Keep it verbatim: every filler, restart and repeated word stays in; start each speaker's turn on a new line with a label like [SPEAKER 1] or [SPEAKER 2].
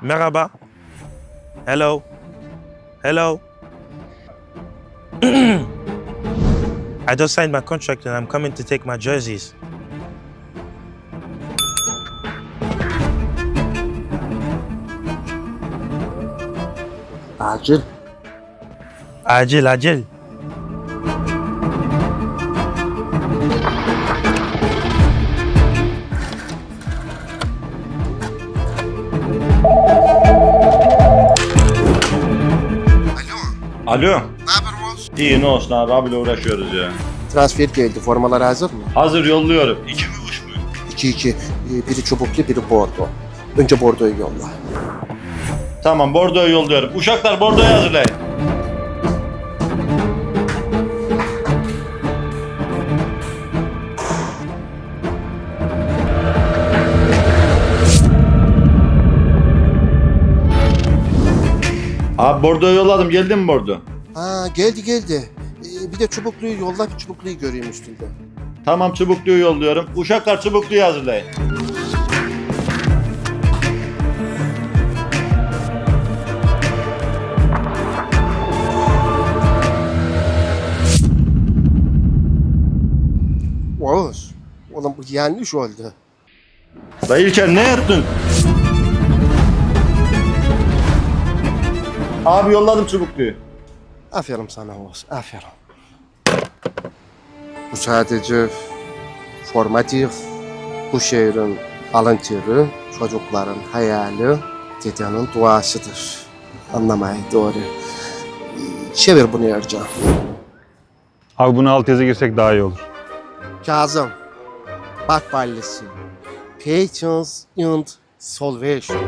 [SPEAKER 1] Merhaba. Hello. Hello. I just signed my contract and I'm coming to take my jerseys.
[SPEAKER 2] Acil.
[SPEAKER 1] Acil, acil.
[SPEAKER 3] Alo.
[SPEAKER 2] Ne haber Oğuz?
[SPEAKER 3] İyi ne olsun abi abiyle uğraşıyoruz ya.
[SPEAKER 2] Transfer geldi. Formalar hazır mı?
[SPEAKER 3] Hazır yolluyorum. İki mi üç mü?
[SPEAKER 2] iki iki. Ee, Biri çubuklu, biri bordo. Önce bordoyu yolla.
[SPEAKER 3] Tamam Bordo'yu yolluyorum. Uşaklar Bordo'yu hazırlayın. Abi Bordo'yu yolladım. Geldi mi Bordo?
[SPEAKER 2] Ha geldi geldi. Ee, bir de çubukluyu yolla, bir çubukluyu göreyim üstünde.
[SPEAKER 3] Tamam çubukluyu yolluyorum. Uşaklar çubukluyu hazırlayın.
[SPEAKER 2] Oğuz, oğlum bu yanlış oldu.
[SPEAKER 3] Dayı İlker ne yaptın? Abi yolladım çubukluyu.
[SPEAKER 2] Aferin sana Oğuz, aferin. Bu sadece formatif, bu şehrin alın teri, çocukların hayali, dedenin duasıdır. Anlamayı doğru. Ee, Çevir bunu Ercan.
[SPEAKER 4] Abi bunu alt yazı girsek daha iyi olur.
[SPEAKER 2] Kazım, bak ballesi. Patience and salvation.